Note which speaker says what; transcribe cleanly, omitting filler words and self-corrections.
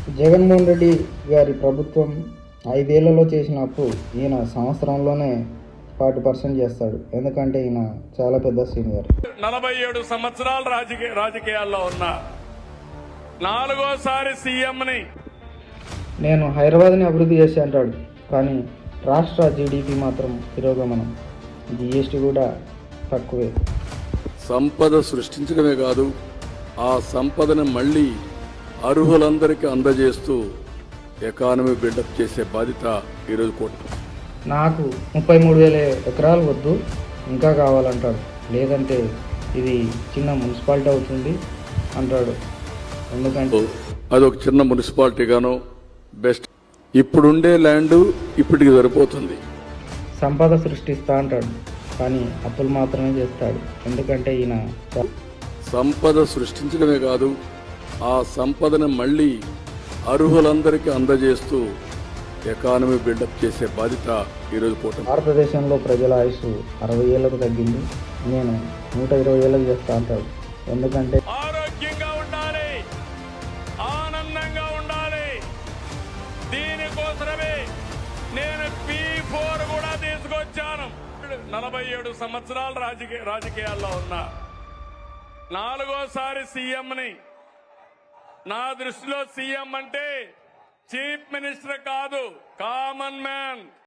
Speaker 1: జగన్మోహన్ రెడ్డి గారి ప్రభుత్వం 5 ఏళ్లలో చేసిన అప్పు ఈయన సంవత్సరంలోనే 40% చేస్తాడు. ఎందుకంటే ఈయన చాలా పెద్ద సీనియర్.
Speaker 2: 47 సంవత్సరాలు రాజకీయాల్లో ఉన్నా, 4వసారి సీఎంని.
Speaker 1: నేను హైదరాబాద్ని అభివృద్ధి చేసి అంటాడు, కానీ రాష్ట్ర జీడిపి మాత్రం తిరోగమనం. జిఎస్టీ కూడా తక్కువే.
Speaker 3: సంపద సృష్టించడమే కాదు, ఆ సంపదను మళ్లీ అర్హులందరికీ అందజేస్తూ ఎకానమీ బిల్డప్ చేసే బాధ్యత ఈరోజు కూటమి.
Speaker 1: నాకు 33,000 ఎకరాలు వద్దు, ఇంకా కావాలంటాడు. లేదంటే ఇది చిన్న మున్సిపాలిటీ అవుతుంది అంటాడు. ఎందుకంటే
Speaker 3: అదొక చిన్న మున్సిపాలిటీగాను బెస్ట్. ఇప్పుడుండే ల్యాండ్ ఇప్పటికి సరిపోతుంది.
Speaker 1: సంపద సృష్టిస్తా అంటాడు, కానీ అప్పులు మాత్రమే చేస్తాడు. ఎందుకంటే ఈయన
Speaker 3: సంపద సృష్టించడమే కాదు, ఆ సంపదను మళ్లీ అర్హులందరికీ అందజేస్తూ ఎకానమీ బిల్డప్ చేసే బాధ్యత ఈరోజు కూటమి.
Speaker 1: భారతదేశంలో ప్రజల ఆయుష్ 60 ఏళ్లకు తగ్గింది, నేను 120 ఏళ్ళకు చేస్తా అంటాడు. ఎందుకంటే
Speaker 2: ఆరోగ్యంగా ఉండాలి, ఆనందంగా ఉండాలి. దీనికోసమే నేను P4 కూడా తీసుకొచ్చాను. 47 సంవత్సరాలు రాజకీయాల్లో ఉన్నా, 4వసారి సీఎంని. నా దృష్టిలో సీఎం అంటే చీఫ్ మినిస్టర్ కాదు, కామన్ మ్యాన్.